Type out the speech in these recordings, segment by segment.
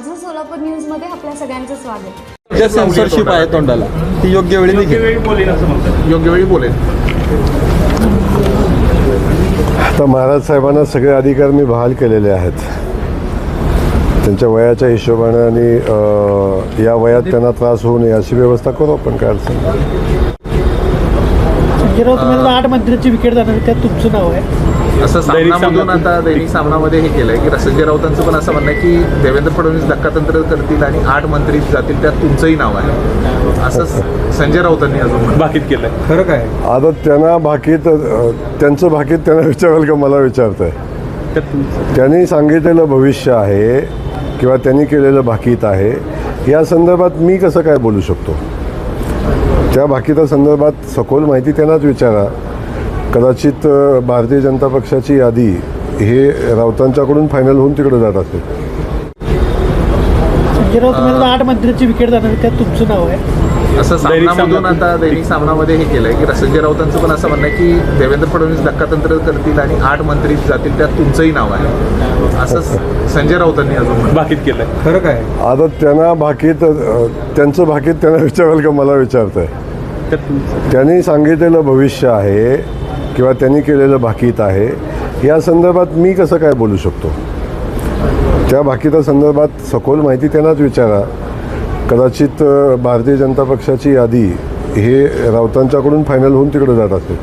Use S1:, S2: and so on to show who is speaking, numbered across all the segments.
S1: माझं सोलापूर न्यूज मध्ये आपल्या सगळ्यांचं स्वागत।
S2: जे सेन्सरशिप आहे तोंडाला ती योग्य वेळी निघेल, योग्य वेळी बोलेल।
S3: आता महाराज साहेबांना सगळे अधिकार मी बहाल केलेले आहेत त्यांच्या वयाच्या हिशोबाने आणि या वयात त्यांना त्रास होऊ नये अशी व्यवस्था करू आपण। काय अडचण
S4: संजय राऊत तुम्हाला 8 मंत्र्यांची विकेट जाणार त्यात तुमचं नाव आहे
S2: असं सामनामधून आता दैनिक सामनामध्ये हे केलंय की संजय राऊतांचं पण असं म्हणणं आहे की देवेंद्र फडणवीस धक्कातंत्र करतील आणि 8 मंत्री जातील त्यात तुमचंही नाव आहे असं संजय राऊतांनी अजून भाकीत केलंय। खरं काय
S3: आता त्यांना भाकीत त्यांचं भाकीत त्यांना विचाराल का मला विचारतंय? त्यांनी सांगितलेलं भविष्य आहे किंवा त्यांनी केलेलं भाकीत आहे या संदर्भात मी कसं काय बोलू शकतो? त्या भाकितासंदर्भात सखोल माहिती त्यांनाच विचारा। कदाचित भारतीय जनता पक्षाची यादी हे राऊतांच्याकडून फायनल होऊन तिकडे जात असेल।
S4: संजय राऊत तुम्हाला 8 मंत्र्यांची विकेट जाणार त्यात तुमचं नाव आहे
S2: असं सामनामधून आता दैनिक सामनामध्ये हे केलंय की संजय राऊतांचं पण असं म्हणणं आहे की देवेंद्र फडणवीस धक्कातंत्र करतील आणि 8 मंत्री जातील त्यात तुमचंही नाव आहे असं संजय राऊतांनी अजून भाकीत केलंय। खरं काय
S3: आता त्यांना भाकीत त्यांचं भाकीत त्यांना विचाराल का मला विचारतंय? त्यांनी सांगितलेलं भविष्य आहे किंवा त्यांनी केलेलं भाकीत आहे या संदर्भात मी कसं काय बोलू शकतो? त्या भाकितासंदर्भात सखोल माहिती त्यांनाच विचारा। कदाचित भारतीय जनता पक्षाची यादी हे राऊतांच्याकडून फायनल होऊन तिकडे जात असेल।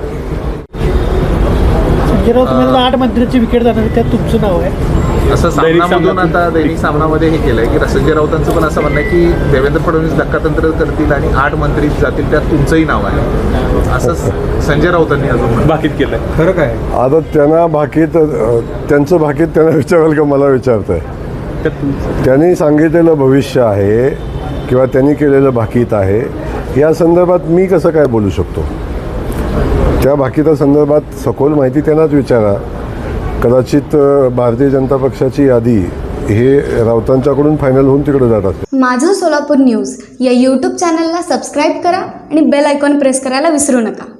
S4: संजय राऊत तुम्हाला 8 मंत्र्यांची विकेट जाणार त्यात तुमचं नाव आहे
S2: असं सामनामधून आता दैनिक सामनामध्ये हे केलंय की संजय राऊतांचं पण असं म्हणणं आहे की देवेंद्र फडणवीस धक्कातंत्र करतील आणि 8 मंत्री जातील त्यात तुमचंही नाव आहे असं संजय राऊतांनी अजून भाकीत केलंय। खरं काय
S3: आता त्यांना भाकीत त्यांचं भाकीत त्यांना विचाराल का मला विचारतंय? त्यांनी सांगितलेलं भविष्य आहे किंवा त्यांनी केलेलं भाकीत आहे या संदर्भात मी कसं काय बोलू शकतो? त्या भाकितासंदर्भात सखोल माहिती त्यांनाच विचारा। कदाचित भारतीय जनता पक्षाची यादी हे राऊतांच्याकडून फायनल होऊन तिकडे जात असेल।
S1: माझं सोलापूर न्यूज या यूट्यूब चॅनलला सबस्क्राईब करा आणि बेल आयकॉन प्रेस करायला विसरू नका।